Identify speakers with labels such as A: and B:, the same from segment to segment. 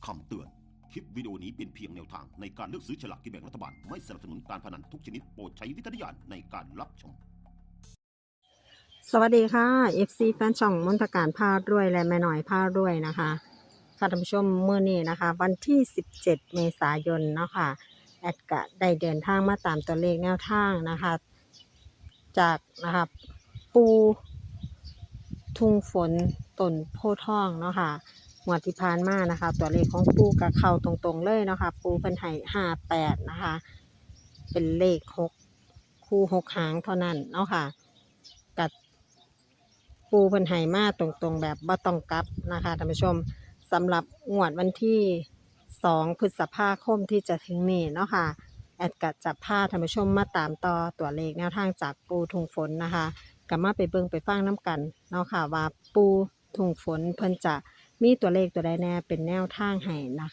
A: คำเตือน คลิปวิดีโอนี้เป็นเพียงแนวทางในการเลือกซื้อฉลากกินแบ่งรัฐบาล ไม่สนับสนุนการพนันทุกชนิดโปรดใช้วิจารณญาณในการรับชม
B: สวัสดีค่ะ FC แฟนช่องมนตการพารวยและแม่หน่อยพารวยนะคะค่ะท่านผู้ชมมื้อนี้นะคะ วันที่ 17 เมษายนเนาะค่ะแอดก็ได้เดินทางมาตามตัวเลขแนวทางนะคะ จากนะคะปูทุ่งฝนต้นโพธิ์ทองเนาะค่ะงวดที่ผ่านมานะคะ ตัวเลขของปูกับเข้าตรงๆเลยเนาะค่ะปูเพิ่นให้58นะคะ เป็นเลข6คู่6หางเท่านั้นเนาะค่ะกับปูเพิ่นให้มาตรงๆแบบบ่ต้องกลับนะคะท่านผู้ชมสำหรับงวดวันที่2 พฤษภาคมที่จะถึงนี้เนาะค่ะแอดก็จะพาท่านผู้ชมมาตามต่อตัวเลขแนวทางจากปูทุ่งฝนนะคะก็มาไปเบิ่งไปฟังน้ำกันเนาะค่ะว่าปูทุ่งฝนเพิ่นจะมีตัวเลขตัวใดแน่เป็นแนวทางให้นะคะ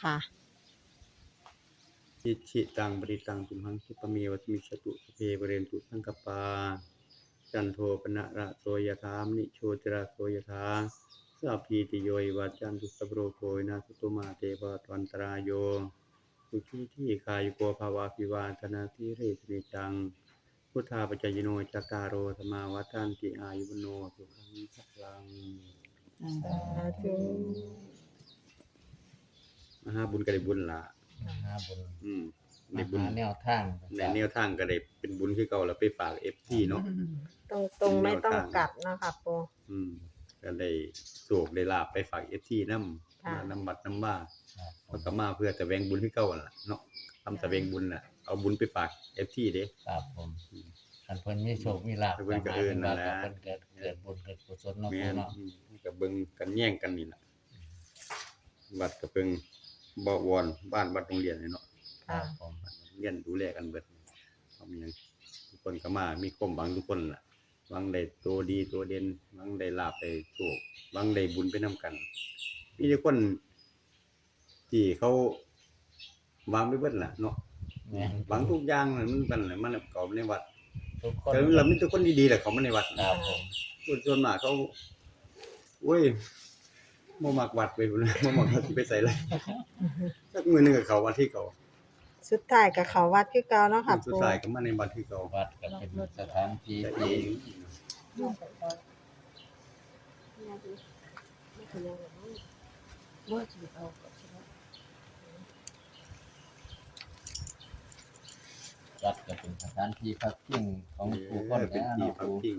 C: อิชิตังปริตังตุมหังคิปะเมวัตมิชตุสเพเปเรนตุสังกปาจันโทปนะระโสยถามนิโชติระโสยถาสัพพิติโยวิวัจจันตุสัพพโรโควินาศตุมาเตภวัตวันตรายโยสุขีที่คายุโกภาวะพิวาทนาทิเรสนิจังพุทธาปัจจยโนจัตตารโรธรรมาวัฏันติอายุวโนสุขังพลัง
B: สาธุ
C: มหาบุญก็ได้บุญล่ะ
D: หาบุญ
C: ได้บุญ
D: หาแนวทาง
C: ในแนวทางก็ได้เป็นบุญคือเก่าแล้วไปฝาก FT เนาะ
B: ตรงๆไม่ต้องกลับเนาะค่ะปู
C: ก็ได้โศกได้ลาบไปฝาก FT นำ
B: ค่ะ
C: นำบัดนำบ้า
D: ครับ
C: มันก็มาเพื่อแสวงบุญคือเก่านั่นล่ะเนาะทำแสวงบุญน่ะเอาบุญไปฝาก FT เด้
D: ครับผมคันเพิ่นมีโชคมีลาภ
C: เพิ่นก็เอิ้นนั่นแหละ
D: เพิ่นเกิดบุญเกิดกุศลเนาะ
C: แม่
D: ปู่
C: น
D: เนาะ
C: ก็เบิ่งกันแย่งกันนี่ล่ะวัดก็เพิ่งบ่วอนบ้านวัดโรงเรียนนี่เนาะ
D: ครับผม
C: เรียนดูแลกันเบิดเอามีหยังทุกคนก็มามีความหวังทุกคนล่ะหวังได้ตัวดีตัวเด่นหวังได้ลาภได้โชคหวังได้บุญไปนํกันมีแต่คนที่เขาหวังไปเบิดล่ะเนาะ
D: แม่น
C: หวังทุกอย่างน่ะมันเป็นน่ะมันเข้าในวัด
D: ทุกคน
C: แต่เรามีแต่คนดีๆแหละเข้ามาในวัด
D: ครับผม
C: คนส่วนมากเขาโอ้ยบ่มักวัดไปพุ่น บ่มักวัดสิไปไสเลยสักมื้อหนึงก็เข้าวัดที่เก่า
B: สุดท้ายกับเขาวัดคือเก่าเนาะค่ะ
C: สุด
B: ปู
C: ท้ายก็มาในวัดที่เก่า
D: วัดก็เป็นสถานที่
C: แต่เอ
D: ที่
C: ง
D: วัดก็เป็นสถานที่พักพิงของผู้คน
C: เป็น
D: แล้ว
C: ที่
D: เนาะ
C: พัก
D: ปู่
C: พิง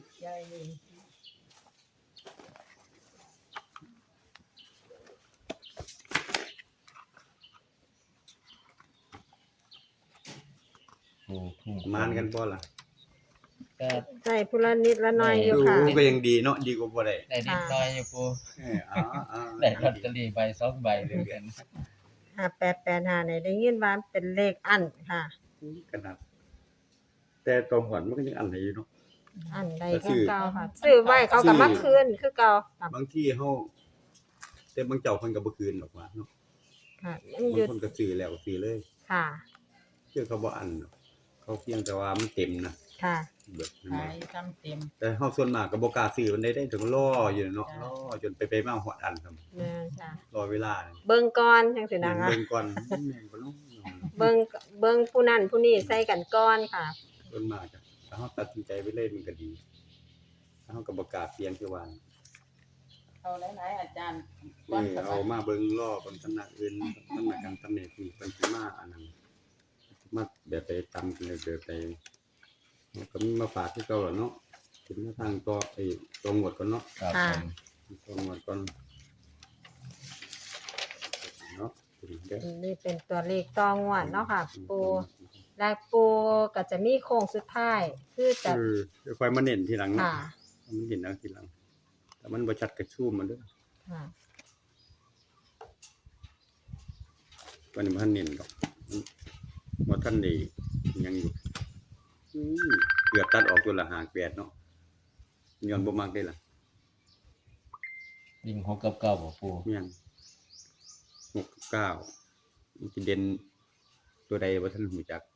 D: ปู่ทุ่ง
C: มานกันบ่ล่ะ
D: ก็
B: ใช่พุละนิดละหน้อยอยู่ค่ะ
C: ก็ยังดีเนาะดีกว่าบ่ได้
D: ได้นิดหน่อยอยู่ปู่
C: ๆ
D: ได้ลอตเตอรี่ใบ2ใบเลยกัน
B: 5885เนี่ยได้ยินว่าเป็นเลขอั้นค่ะ
C: ขนาดแต่ตรงหวนมันก็ยังอันไหนอยู่เนาะ
B: อั้นใด
C: ก็ซื้
B: คือ
C: อ
B: เก่าค่ะซื้อไว้เขาก็มาคืนคือเก่าค่ะ
C: บางที่เฮาแต่บางเจ้าเพิ่นก็บ่คืนหรอกว่าเนาะ
B: ค่ะมัน
C: บา
B: หยุ
C: ง
B: ด
C: คนก็ซื้อแล้วซื้อเลย
B: ค่ะ
C: คือเขาบ่อันหรอกเขาเพียงแต่ว่ามันเต็มนะ
B: ค่ะ
C: เบิดมัน
E: ขา
C: บ่
E: ยทำเต็ม
C: แต่เฮาส่วนมากก็บ่กล้าซื้อมันได้ถึงรออยู่เนาะ
E: จ้ะ
C: รอจนไปมาฮอดอันครับ
B: แม่นจ้ะ
C: รอเวลา
B: เบิ่งก่อนจังซี่นะคะ
C: เบิ่งก่อนแม่นบ่เนาะ
B: เบิ่งผู้นั้นผู้นี้ใส่กันก่อนค่ะ
C: ส่วนมากอะถ้าเฮาตัดสินใจไปเลยมันก็ดีถ้าเฮาก็บ่กล้าเสี่ยงคือว่า
E: เอาหลายๆอาจารย์
C: เอามาเบิ่งรอเบิ่งตำหนักอื่นตำหนักกันตำแหน่งนี่เพิ่นสิมาอันนั้นมาแบบไปตำกันเลยแบบไปแล้วก็มีมาฝากคือเก่าล่ะเนาะถึงมาทางต่อไอ้ตรงหมดก่อนเนาะ
D: ครับ
B: ค่ะ
D: ผม
C: ตรงหมดก่อนเนาะถึงเด้อ
B: นี่เป็นตัวเลขต่องวดเนาะค่ะ ปูและปูก็จะมีโค้งสุดท้ายคือจะ
C: เดี๋ยวค่อยมาเน้นทีหลังเนาะ
B: ค่ะ
C: มันเห็นเอาทีหลังแต่มันบ่ชัดก็ซูมมันเด้อ
B: ค่ะ
C: วันนี้บ่ทันเน้นดอกบ่ทันได้ยังอยู่เกือบตัดออกตัวละ58เนาะย้อนบ่มักได้ล่ะ
D: วิ่ง6กับ9บ่ปู่
C: เมียน6 9มันสิเด่นตัวใดบ่ทันรู้จัก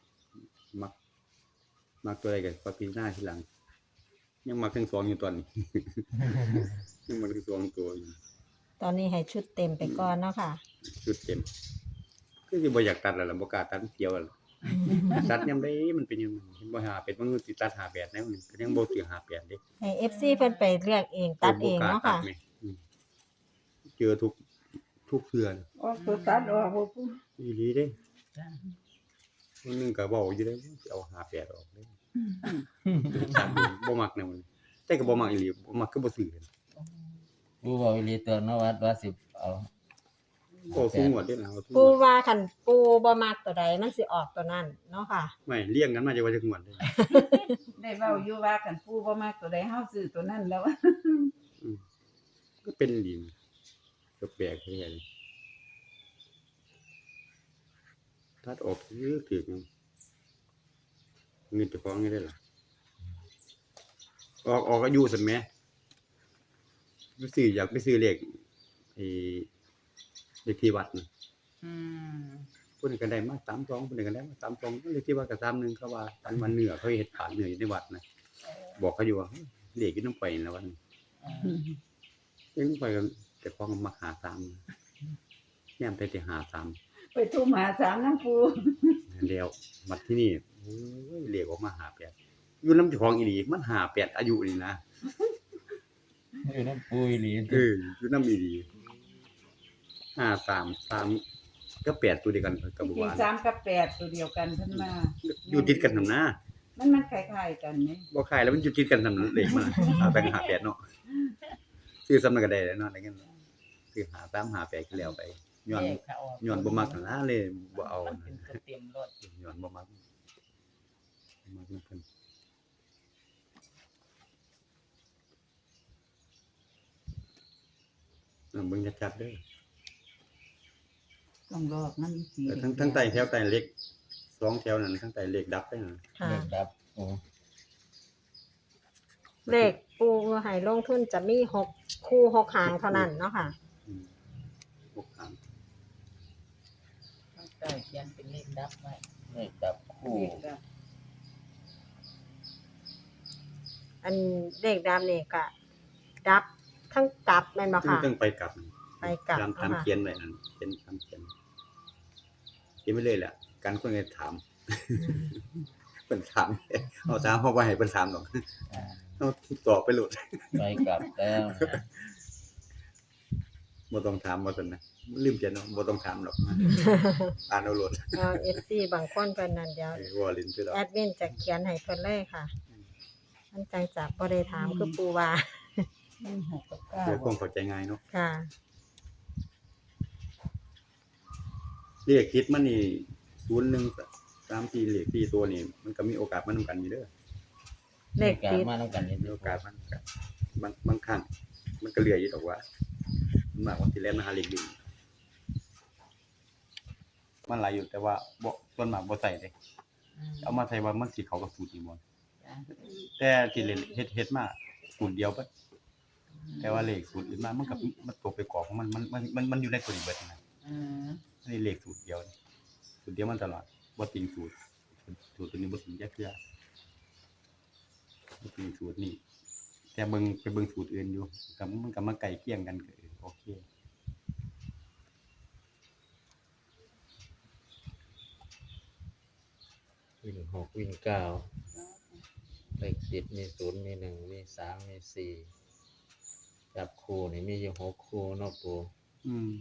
C: มักตัวใดก็พอพิจารณาทีหลัง ยังมักทั้งสองอยู่ตอนนี้ ยังมักทั้งสองตัวอยู่
B: ตอนนี้ให้ชุดเต็มไปก่อนเนาะค่ะ
C: ชุดเต็มคือสิบ่อยากตัดแล้วล่ะบ่กล้าตัดเกี่ยวแล้วล่ะตัดยามใดมันเป็นยังเห็นบ่หาเป็ดมันสิตัด58แนวนี่ก็ยังบ่ซื้อ58เด้
B: ให้ FC เพิ่นไปเลือกเองตัดเองเนาะค่ะ
C: เจอทุกเทื่อน่ะ
E: ออกตัวตัดออกบ่ปู
C: อีหลีเด้มื้อนึงก็เว้าอยู่เด้สิเอา58ออกเด้บ่มักแนวนี้แต่ก็บ่มักอีหลีบ่มักคือบ่ซื้อเลย
D: ปูบอกอีหลีตัวเนาะว่าสิเอา
C: โอ้สูงกว่าเด้ล่ะเอาทุก
B: ปู
C: งวด
B: ว่าคันปูบ่มักตัวใดมันสิออกตัวนั้นเนาะค่ะ
C: ไม่เลี้ยงกันมาจะว่าจักงวดเด้
E: ได้เว้าอยู่ว่ากันปูบ่มักตัวใดเฮาซื้อตัวนั้นแล้ว
C: ก็เป็นดีก็แปลกแท้เลยตัดออกคือถูกมันเงินเจ้าของนี่ได้ล่ะออกอายุซั่นแหมไปซื้ออยากไปซื้อเลขไอ้เลขที่วัดน่ะ
E: อืม
C: เพิ่นก็ได้มา32เพิ่นก็ได้มา32เลขที่วัดก็31เขาว่าตันวันเนื้อเขาเฮ็ดขายเนื้ออยู่ในวัดน่ะบอกเขาอยู่ว่าเลขอยู่นำไปนั่นล่ะวันเลขนำไปก็เจ้าของมัก53แนมแต่สิ53
E: ไปทุ่มหาสามน้ำปู
C: แล้วบัดที่นี่โอ้ยเลขออกมา58อยู่นำเจ้าของอีหลีมัน58อายุนี่นะ
D: อยู่นำปูอีหลี
C: อยู่นำอีหลี533ก็8ตัวเดียวกันกับ
E: จ
C: บ่
E: ริง
C: ว่า
E: ๆ3กับ8ตัวเดียวกันเพิ่นมา
C: อยู่ติดกันนำนะ
E: มันคล้ายๆกันนี่
C: บ่ขายแล้วมันอยู่ติดกันนำเลขมันแบ่ง58เนาะซื้อซ้ำนั้นก็ได้แล้วเนาะได้เงินซื้อ53 58ก็แล้วไปย้อนบ่มักนั่นล่ะเลยบ่เอา
E: มันเป็นตัวเต็มรถ
C: ย้อนบ่มักนำเพิ่นเบิ่งชัดๆเด้อ
E: ต้องรอบมันสี
C: ทั้งใต้แถวใต้เล็ก2แถวนั้นทั้งใต้เลขดับไปนั่น
B: ค่ะ
D: เลขดับโอ้
B: เลขปูให้ลงทุนจะมี6คู่6หางเท่านั้นเนาะค่ะ
C: 6ครั้ง
E: ต้องใส่เขียนเป็นเลขดับไว้
D: เลขดับคู่
E: เลขดับ
B: อันเลขดำนี่ก็ดับทั้งกลับแม่นบ่ค่ะ
C: ต้องไปกลับ
B: ไปกลับ
C: ตาม
B: เนาะค่ะ
C: เขียนไว้นั่นเป็นตามเขียนไปเลยแหละการคนก็ถามเพิ่นถามเอาถามเฮาบ่ให้เพิ่นถามดอก
D: อ่า
C: เฮาตอบไปโลด
D: ไปกลับแล้วนะ
C: บ่ต้องถามว่าซั่นนะลืมเขียนเนาะบ่ต้องถามหรอกอ่านเอาโลด
B: FC บางคนเพิ่นนั่นเดี๋ยว
C: วอลินซื่อดอก
B: แอดมินจะเขียนให้เพิ่นเลยค่ะ มันจังจะบ่ได้ถามคือปูว่า
E: 6กับ
C: เพื่อความ
E: 9
C: เข้าใจง่ายเนาะ
B: ค่ะ
C: เลขคิดมันนี่01 3 4เลข4ตัวนี่มันก็มีโอกาสมานำกันอยู่เด้อ
B: เลข
D: การ
B: ติด
D: มานํกันนี่
C: มีโอกาสมันก็บางครั้งมันก็เหลืออยู่ดอกว่ามันมากกว่าที่แล่นมาหาเลขดีมันหลายอยู่แต่ว่าบ่ส่วนมากบ่ใส่เด้เอามาใส่ว่ามันสิเข้ากับสูตรนี่บ่แต่ที่เล่นเฮ็ดมาสูตรเดียวเบิดแต่ว่าเลขสูตรอื่นมามันก็มันตกไปกรอบของมันอยู่ในตัวนี้เบิดนะ
E: อืม
C: อันนี้เลขสูตรเดียวนี่สูตรเดียวมันตลอดบ่ติงสูตรตัวนี้บ่ติงจักเทื่อบ่ติงสูตรนี่แต่ไปเบิ่งสูตรอื่นอยู่ก็มันก็มาใกล้เคียงกันก็โอเค
D: วิ่ง6วิ่ง9เลข10มี0มี1มี3มี4จับคู่นี่มีอยู่6คู่เนาะปู
C: อืม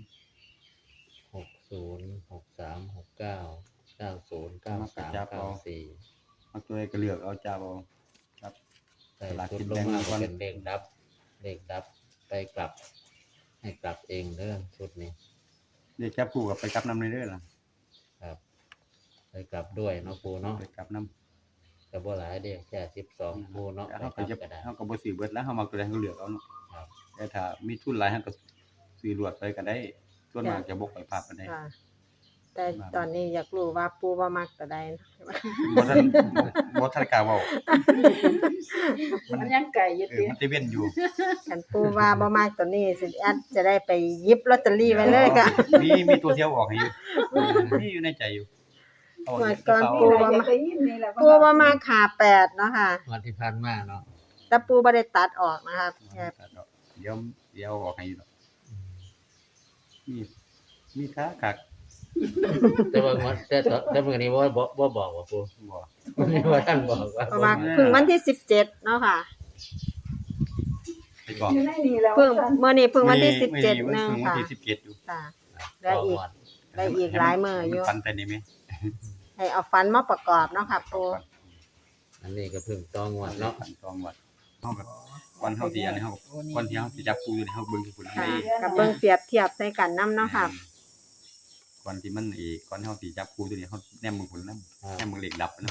D: 60 63 69 90 93 94
C: เอาตัวใดก็เลือกเอาจับเอาครับ
D: ใส่ชุดลงมาก็เป็นเลขดับ เลขดับไปกลับ ให้กลับเองเด้อชุดนี้
C: เลขจับคู่ก็ไปกลับนำเด้อล่ะ
D: ครับ ไปกลับด้วยเนาะปูเนาะ
C: ไปกลับนำ
D: ก็บ่หลายเด้แค่12ปูเนาะไป
C: เฮาก ก็
D: ลับ
C: จะ
D: ก็ได้
C: เฮาก็บ่ซื้อเบิดแล้วเฮามักตัวใดเฮาก็เลือกเอาเนาะ
D: ครับ
C: แต่ถ้ามีทุนหลายเฮาก็ซื้อรวดไปก็ได้ส่วนมากจะบ่ค่อยพลาดปานใด
B: ค่ะ แต่ตอนนี้อยากรู้ว่าปูบ่มักตัวใดนะ
C: บ่ทันกล้าเว้า
E: มันยังไก่อยู่ติ
C: มันสิเว้นอยู่
B: คันปูว่าบ่มักตัวนี้สิแอดจะได้ไปหยิบลอตเตอรี่ไว้เลยค่ะ
C: มีตัวเที่ยวออกให้อยู่มีอยู่ในใจอยู่เอา
B: เมื่อก่อน
E: ปูว่ามาได้ยินนี่แหละ
B: ปูบ่มักขา8เนาะค่ะ
D: วันที่ผ่านมาเนาะ
B: แต่ปูบ่ได้ตัดออกนะคะแค่
C: เดี๋ยวออกให้อยู่ดอกนี่มีค้ากัก
D: แต่ว่างวดแต่มื้อนี้บ่บอกว่าปู
C: บ่
D: วันนี้ว่าท่านบอกว่า
B: เพราะว่าเพิ่งวันที่17เนาะค่ะ
C: ไปบอก
E: อยู่ในนี่แล้ว
B: เพิ่งเมื่อนี้เพิ่งวันที่
C: มื้อ
B: 17นึง
C: เพิ่งวัน
B: ค่ะ
C: ที่17อยู่
B: ค่ะได้อีกได้อีกหลายมื้ออยู่
C: ฟันไปนี่มั้ย
B: ให้เอาฟันมาประกอบเนาะค่ะปู
D: อันนี้ก็เพิ่งต้องวดเนาะ
C: ฟันตองวัดเฮาก็วันเฮาสิอันนี้เฮาวันที่เฮาสิจับปูอยู่นี่เฮาเบิ่งที่พุ่น
B: ค่ะ
C: นี่
B: กับเบิ่งเปรียบเทียบใส่กันนํเนาะค่ะ
C: ก่อนที่มันก่อนเฮาสิจับปูตัวนี้เฮาแนมเบิ่งพุ่นนำแนมเบิ่งเลขดับนำ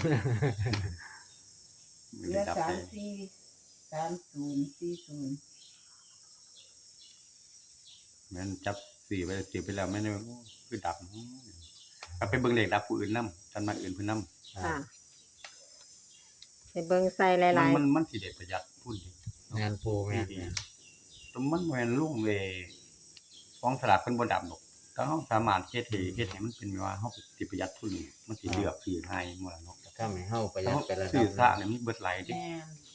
E: เหลือ343040
C: แม่นจับ4ไว้เก็บไปแล้วแม่นคือดับก็ไปเบิ่งเลขดับผู้อื่นนำท่านมาอื่นเพิ่นนำ
B: ค่ะไปเบิ่งใส่หลาย
C: มันสิได้ประหยัดทุนดิ
D: งานปูแม่น
C: แต่มันบ่แม่นลุงเวของสลากเพิ่นบ่ดับดอกถ้าเฮาสามารถเฮ็ดให้มันเป็นว่าเฮาสิประหยัดทุนมันสิเลือกซื้อง่ายหมดล่ะเนาะ
D: ถ้าให้เฮาประหยัดไปแล้ว
C: ซื้อซะเนี่ยมันเบิดหลายเด้
E: แม่น